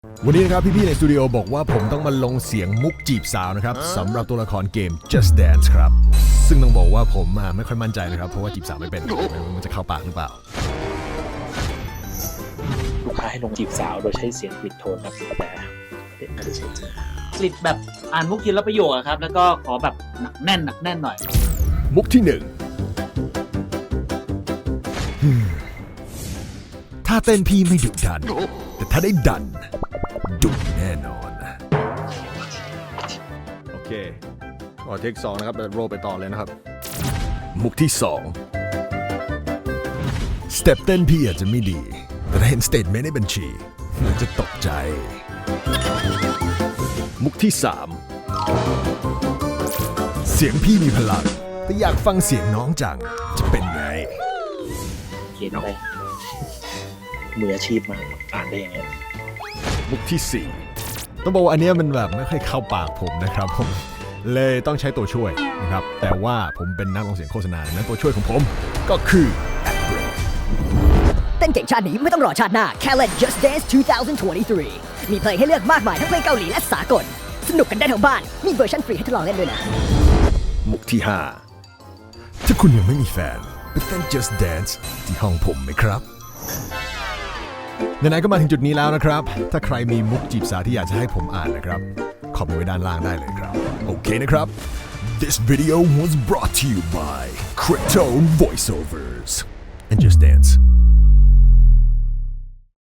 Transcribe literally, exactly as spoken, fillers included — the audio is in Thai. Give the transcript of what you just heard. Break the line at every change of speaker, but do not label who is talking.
วันนี้นะครับพี่ๆในสตูดิโอบอกว่าผมต้องมาลงเสียงมุกจีบสาวนะครับสำหรับตัวละครเกม Just Dance ครับซึ่งต้องบอกว่าผมไม่ค่อยมั่นใจนะครับเพราะว่าจีบสาวไม่เป็นมันจะเข้าปากหรือเปล่า
ลูกค้าให้ลงจีบสาวโดยใช้เสียงกริดโทนครับแต่เด็กไม่ได้ใช้จริง
กลิดแบบอ่านมุกทีละประโยคอะครับแล้วก็ขอแบบหนักแน่นหนักแน่นหน่อย
มุกที่หนึ่งถ้าเต้นพี่ไม่ดุดันแต่ถ้าได้ดันดุแน่นอนโอเคขอเทคสองนะครับโรลไปต่อเลยนะครับมุกที่สองสเต็ปเต้นพี่อาจจะไม่ดีแต่ถ้าเห็นสเตทเมนต์ในบัญชีมันจะตกใจมุกที่สามเสียงพี่มีพลังแต่อยากฟังเสียงน้องจังจะเป็นไง
เขียนไปมืออาชีพมากอ่านได้ยังไง
มุกที่สี่ต้องบอกว่าอันนี้มันแบบไม่ค่อยเข้าปากผมนะครับผมเลยต้องใช้ตัวช่วยนะครับแต่ว่าผมเป็นนักร้องเสียงโฆษณานั้นตัวช่วยของผมก็คือแอปเปิล
เต้นเก่งชาตินี้ไม่ต้องรอชาติหน้าแค่เล่น Just Dance สองพันยี่สิบสามมีเพลงให้เลือกมากมายทั้งเพลงเกาหลีและสากลสนุกกันได้ทั้งบ้านมีเวอร์ชันฟรีให้ทดลองเล่นด้วยนะ
มุกที่ห้าถ้าคุณยังไม่มีแฟนไปเต้น Just Dance ที่ห้องผมไหมครับไหนๆก็มาถึงจุดนี้แล้วนะครับถ้าใครมีมุกจีบสาวที่อยากจะให้ผมอ่านนะครับคอมเมนต์ไว้ด้านล่างได้เลยครับโอเคนะครับ This video was brought to you by Cryptone Voiceovers and Just Dance